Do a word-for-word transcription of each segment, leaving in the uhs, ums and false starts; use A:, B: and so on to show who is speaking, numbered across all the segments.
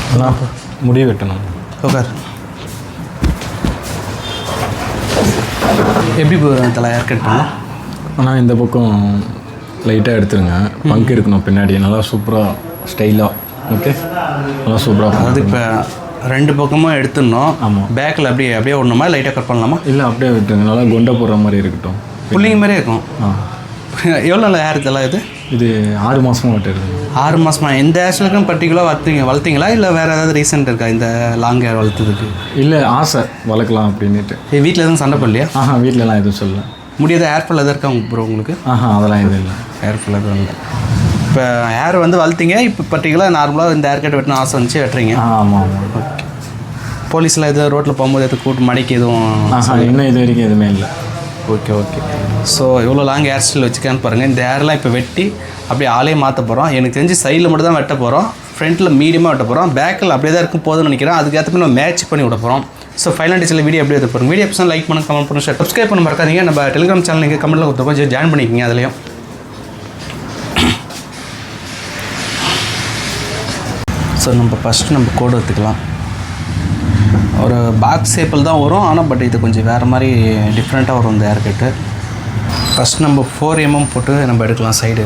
A: நான் முடி வெட்டணும்.
B: உட்கார். எப்படி போகிறேன் தலை ஹேர் கட் பண்ணலாம்?
A: ஆனால் இந்த பக்கம் லைட்டாக எடுத்துருங்க. பங்க் இருக்கணும் பின்னாடி, நல்லா சூப்பராக ஸ்டைலாக. ஓகே, நல்லா சூப்பராக.
B: அதாவது இப்போ ரெண்டு பக்கமும் எடுத்துடணும்.
A: ஆமாம்.
B: பேக்கில் அப்படியே அப்படியே ஒன்றுமா லைட்டாக கட் பண்ணலாமா?
A: இல்லை அப்படியே விட்டுருங்க, நல்லா கொண்டை போடுற மாதிரி இருக்கட்டும்.
B: புள்ளிங்க மாதிரியே இருக்கும்.
A: ஆ,
B: எவ்வளோ நாள் ஹேர் தலை இது?
A: இது ஆறு மாதமாக வெட்டுறது.
B: ஆறு மாதமா? இந்த ஹேர்ஸ்லுக்கும் பர்டிகுலராக வளர்த்தீங்க வளர்த்தீங்களா இல்லை வேறு ஏதாவது ரீசன்ட் இருக்கா இந்த லாங் ஹேர் வளர்த்ததுக்கு?
A: இல்லை, ஆசை வளர்க்கலாம் அப்படின்ட்டு.
B: வீட்டில் எதுவும் சண்டை பண்ணலையா?
A: ஆஹா, வீட்டிலலாம் எதுவும் சொல்லலை.
B: முடியாத ஹேர் ஃபால் எதாவது இருக்கா ப்ரோ உங்களுக்கு?
A: ஆஹா, அதெல்லாம் எதுவும் இல்லை.
B: ஹேர் ஃபால் எதுவும் இல்லை. இப்போ ஹேர் வந்து வளர்த்தீங்க, இப்போ பர்டிகுலராக நார்மலாக இந்த ஹேர் கட் வெட்டின ஆசை வந்துச்சு வெட்டுறீங்க.
A: ஆ, ஆமாம் ஆமாம்.
B: ஓகே. போலீஸில் எதுவும் ரோட்டில் போகும்போது எதுவும் கூட்டு மடிக்கு எதுவும்?
A: ஆஹா, இன்னும் இது வரைக்கும் எதுவுமே இல்லை.
B: Okay okay. ஸோ எவ்வளோ லாங் ஹேர் ஸ்டைல் வச்சுக்கான்னு பாருங்கள். இந்த ஹேர்லாம் இப்போ வெட்டி அப்படியே ஆளே மாற்ற போகிறோம். எனக்கு தெரிஞ்சு சைடில் மட்டும் தான் வெட்ட போகிறோம், ஃப்ரண்ட்டில் மீடியமாக வெட்ட போகிறோம், பேக்கில் அப்படியே தான் இருக்கும் போதுன்னு நினைக்கிறேன். அதுக்கேற்ற மாதிரி நம்ம மேட்ச் பண்ணி விட போகிறோம். ஸோ ஃபைனல் டிச்சில் வீடியோ எப்படி எடுத்து போகிறோம். வீடியோ எபிசோட் லைக் பண்ண, கமெண்ட் பண்ணி, ஷேர், சப்ஸ்கிரைப் பண்ண மறக்காதீங்க. நம்ம டெலிகிராம் சேனல் நீங்கள் கமெண்ட்டில் கொடுத்து கொஞ்சம் ஜாயின் பண்ணிக்கிங்க. அதுலேயும் ஸோ நம்ம ஃபஸ்ட்டு நம்ம கோடு எடுத்துக்கலாம். ஒரு பாக்ஸ் ஷேப்பில் தான் வரும், ஆனால் பட் இது கொஞ்சம் வேறு மாதிரி டிஃப்ரெண்ட்டாக வரும் இந்த ஹேர் கட்டு. ஃபஸ்ட் நம்ம ஃபோர் எம்எம் போட்டு நம்ம எடுக்கலாம் சைடு.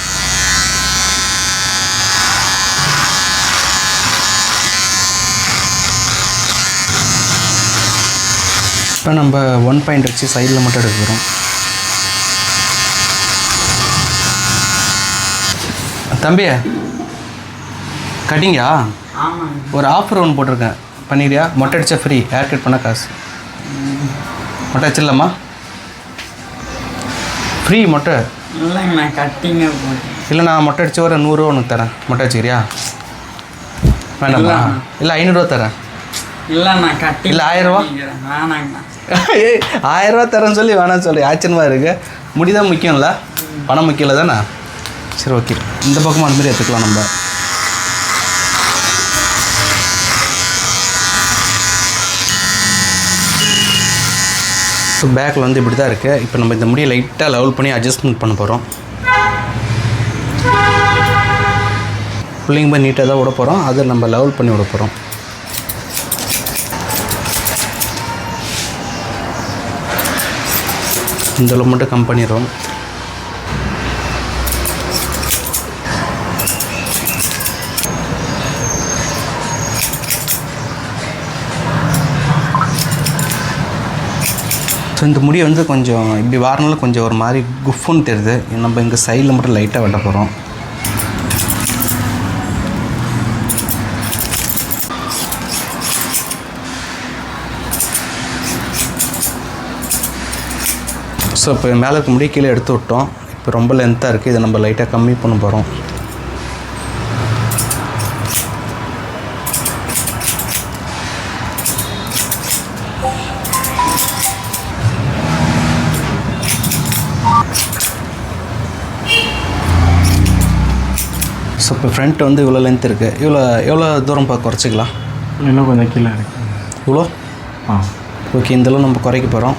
B: இப்போ நம்ம ஒன் பாயிண்ட் வச்சு சைடில் மட்டும் எடுக்க போகிறோம். தம்பியா கட்டிங்கா? ஒரு ஆஃபர் ஒன்று போட்டிருக்கேன், பண்ணிடுறியா? மொட்டை அடித்தா ஃப்ரீ, ஹேர் கட் பண்ண காசு. மொட்டை அடிச்சிடலாமா? ஃப்ரீ மொட்டை
C: இல்லைங்கண்ணா, கட்டிங்க.
B: இல்லை, நான் மொட்டை அடித்த ஒரு நூறுரூவா ஒன்று தரேன். மொட்டை அடிச்சுக்கிறியா? வேண்டாமா? இல்லை, ஐநூறுரூவா தரேன்.
C: இல்லைண்ணா, கட்டி.
B: இல்லை, ஆயிரரூவா?
C: வேணாங்கண்ணா.
B: ஏய், ஆயிரரூவா தரேன்னு சொல்லி வேணான்னு சொல்லி ஆச்சரியமாக இருக்குது. முடிதான் முக்கியம்ல, பணம் முக்கியம் இல்லை தானே? சரி, ஓகே. இந்த பக்கமும் அந்த மாதிரி எடுத்துக்கலாம் நம்ம. ஸோ பேக்கில் வந்து இப்படி தான் இருக்குது. இப்போ நம்ம இந்த முடியை லைட்டாக லெவல் பண்ணி அட்ஜஸ்ட்மெண்ட் பண்ண போகிறோம். புள்ளிங்க போய் நீட்டாக தான் விட போகிறோம், அதை நம்ம லெவல் பண்ணி விட போகிறோம். இந்த அளவு மட்டும் கம் பண்ணிடுறோம். ஸோ இந்த முடி வந்து கொஞ்சம் இப்படி வாரனால கொஞ்சம் ஒரு மாதிரி குஃப்னு தெரியுது. நம்ம இங்கே சைடில் மட்டும் லைட்டாக வெட்ட போகிறோம். ஸோ இப்போ மேலே இருக்க முடி கீழே எடுத்து விட்டோம். இப்போ ரொம்ப லென்த்தாக இருக்குது, இதை நம்ம லைட்டாக கம்மி பண்ண போகிறோம். ஸோ இப்போ ஃப்ரண்ட் வந்து இவ்வளோ லென்த் இருக்குது. இவ்வளோ எவ்வளோ தூரம் பார்க்க குறைச்சிக்கலாம்?
A: இன்னும் கொஞ்சம் கீழே இருக்குது.
B: இவ்வளோ?
A: ஆ,
B: ஓகே. இந்தளவு நம்ம குறைக்க போகிறோம்.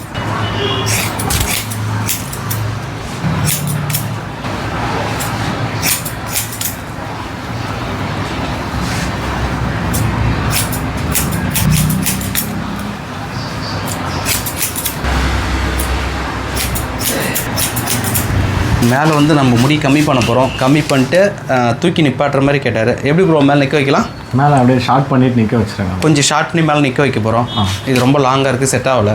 B: மேலே வந்து நம்ம முடி கம்மி பண்ண போகிறோம். கம்மி பண்ணிட்டு தூக்கி நிப்பாட்டுற மாதிரி கேட்டார். எப்படி ப்ரோ மேலே நிற்க வைக்கலாம்?
A: மேலே அப்படியே ஷார்ட் பண்ணிவிட்டு நிற்க வச்சுருங்க.
B: கொஞ்சம் ஷார்ட் பண்ணி மேலே நிற்க வைக்க போகிறோம். இது ரொம்ப லாங்காக இருக்குது, செட் ஆகலை.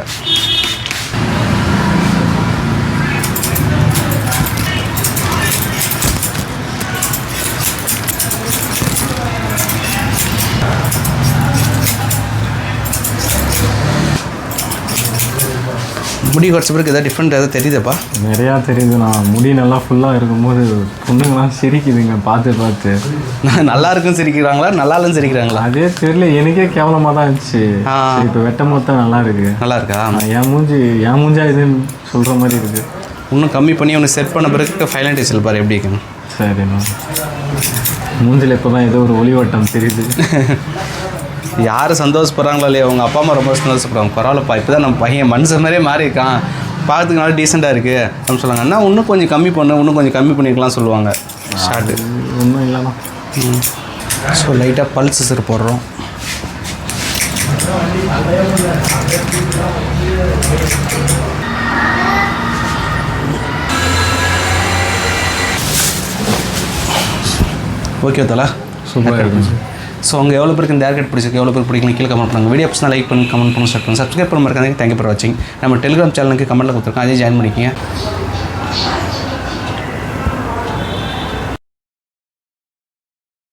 B: முடி குறைச்ச பிறகு எதாவது டிஃப்ரெண்ட் எதாவது தெரியுதுப்பா?
A: நிறையா தெரியுது. நான் முடி நல்லா ஃபுல்லாக இருக்கும்போது பொண்ணுங்களாம் சிரிக்குதுங்க பார்த்து பார்த்து.
B: நல்லா இருக்குன்னு சிரிக்கிறாங்களா, நல்லா இல்லைன்னு சிரிக்கிறாங்களா?
A: அதே தெரியல, எனக்கே கேவலமாக தான் இருந்துச்சு. இப்போ வெட்டும் போது தான் நல்லா இருக்குது.
B: நல்லா இருக்கா?
A: என் மூஞ்சி என் மூஞ்சா இதுன்னு சொல்கிற மாதிரி இருக்குது.
B: இன்னும் கம்மி பண்ணி ஒன்று செட் பண்ண பிறகு ஃபைனல் டிசைல் பாரு எப்படி இருக்குன்னு.
A: சரிண்ணா, மூஞ்சில் இப்போ தான் ஏதோ ஒரு ஒளிவட்டம் தெரியுது.
B: யார் சந்தோஷப்படுறாங்களோ இல்லையா, அவங்க அப்பா அம்மா ரொம்ப சந்தோஷப்படுறாங்க. பரவாயில்லப்பா, இப்போ தான் நம்ம பையன் மனுஷன் மாதிரியே மாறி இருக்கான், பார்த்துக்கு நல்லா டீசெண்டாக இருக்குது அப்படின்னு சொல்லுவாங்க. அண்ணா இன்னும் கொஞ்சம் கம்மி பண்ணு, இன்னும் கொஞ்சம் கம்மி பண்ணிக்கலாம் சொல்லுவாங்க. ஷார்ட்டு
A: ஒன்றும் இல்லைண்ணா.
B: ஸோ லைட்டாக பல்ஸ் சிசர் போடுறோம். ஓகே தலா,
A: சூப்பராக இருக்கும் சார்.
B: ஸோ அவங்க எவ்வளோ பேருக்கு இந்த ஹேர் கட் பிடிச்சிருக்கு, எவ்வளோ பேர் பிடிக்கல கீழே கமெண்ட் பண்ணுங்கள். வீடியோ பிடிச்சா லைக் பண்ணி கமெண்ட் பண்ணி ஸ்டார்ட் பண்ணுங்கள். சப்ஸ்கிரைப் பண்ண மாதிரி தேங்க்யூ ஃபார் வாட்சிங். நம்ம டெலிகிராம் சேனலுக்கு கமெண்ட்டில் கொடுத்துருக்கோம், அதே ஜாயின் பண்ணிக்கங்க.